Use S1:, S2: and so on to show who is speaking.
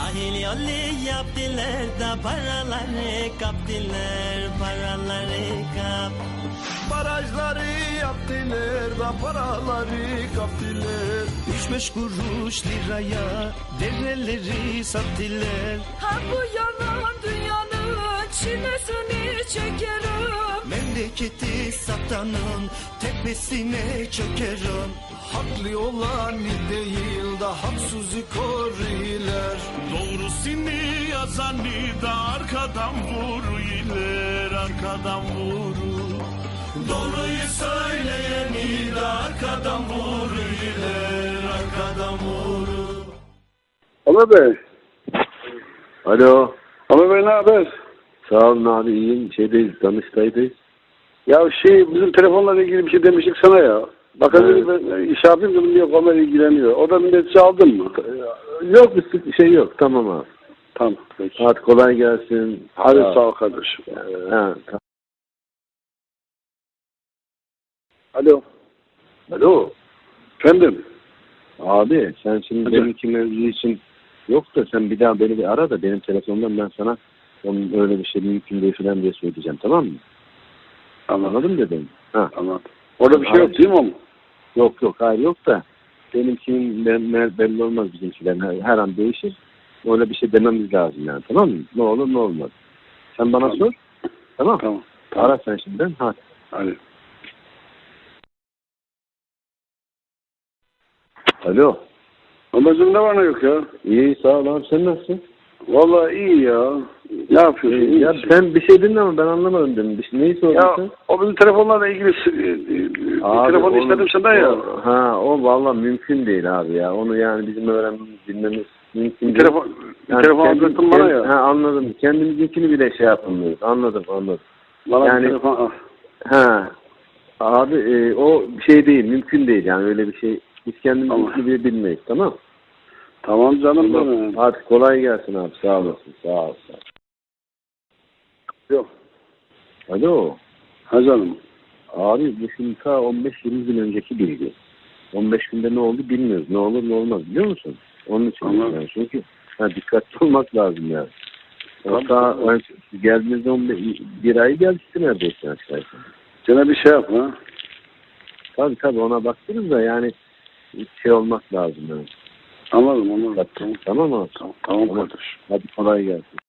S1: Sahil yolu yaptılar da paraları kaptılar, paraları kap.
S2: Barajları yaptılar da paraları kaptılar.
S1: 3-5 kuruş liraya dereleri sattılar.
S3: Ha bu yalan dünyanın çilesini çekerim.
S1: Memleketi satanın tepesine çökerim.
S2: Haklı olan değil da haksızı koruyorlar.
S4: Doğrusunu yazanı da arkadan vuruyorlar, arkadan vurur. Doğruyu söyleyeni de arkadan vuruyorlar, arkadan vurur.
S5: Ömer Bey.
S6: Alo.
S5: Ömer Bey ne haber?
S6: Sağ olun abi, iyiyim. Danıştay'dayız.
S5: Ya bizim telefonla ilgili bir şey demiştik sana ya. Bakalım ben iş yapayım dedim, yok Ömer ilgileniyor. O da milletçi aldın mı?
S6: Yok, bir şey yok. Tamam abi.
S5: Tamam peki.
S6: Hadi kolay gelsin.
S5: Hadi sağ ol kardeşim.
S6: Ha,
S5: Alo.
S6: Alo.
S5: Efendim?
S6: Abi sen şimdi
S5: Hadi.
S6: benimki mevzu için yok da sen bir daha beni bir ara da benim telefonumdan ben sana onun öyle bir şey mümkün değil falan diye söyleyeceğim, tamam mı? Anladın mı dedim? Ha.
S5: Anladım. Orada bir şey yok değil mi ama?
S6: Yok, hayır yok da benimkinin belli olmaz, bizimkilerin her an değişir. Öyle bir şey dememiz lazım yani, tamam mı? Ne olur ne olmaz. Sen bana
S5: Tamam.
S6: sor. Tamam.
S5: Tamam.
S6: Ara sen şimdi. Hadi.
S5: Hadi.
S6: Alo.
S5: Ömer'cim ne var ne yok ya?
S6: İyi, sağ ol abi, sen nasılsın?
S5: Vallahi iyi ya. Ne yapıyorsun? İyi
S6: Ya
S5: misin?
S6: sen bir şey dedin ama ben anlamadım dedim. Neyi sordun
S5: Ya
S6: sen?
S5: o bizim telefonlarla ilgili
S6: Abi,
S5: telefon
S6: onu-
S5: istedim senden ya.
S6: O vallahi mümkün değil abi ya. Onu yani bizim öğrenmemiz, bilmemiz mümkün
S5: Bir
S6: değil.
S5: telefon alacaktın bana ya.
S6: Anladım. Kendimizinkini bile şey yapamıyoruz. Anladım.
S5: Bana
S6: yani-
S5: bir telefon al.
S6: Abi o şey değil, mümkün değil yani öyle bir şey. Biz kendimizinkini
S5: Tamam.
S6: bile bilmeyiz, tamam.
S5: Tamam canım
S6: Tamam.
S5: benim.
S6: Hadi kolay gelsin abi, sağ olasın. Sağ ol.
S5: Yok.
S6: Alo.
S5: Ha canım.
S6: Abi bu şimdi ta 15-20 gün önceki bilgi. 15 günde ne oldu bilmiyoruz. Ne olur ne olmaz biliyor musun? Onun için
S5: Anladım.
S6: yani. Çünkü dikkatli olmak lazım yani. Hatta geldiğimizde bir ay gelmişti neredeyse aşağıya.
S5: Gene bir şey yap ha.
S6: Tabii ona baktınız da yani şey olmak lazım yani.
S5: Anladım.
S6: Tamam abi.
S5: Tamam kardeş.
S6: Hadi kolay gelsin.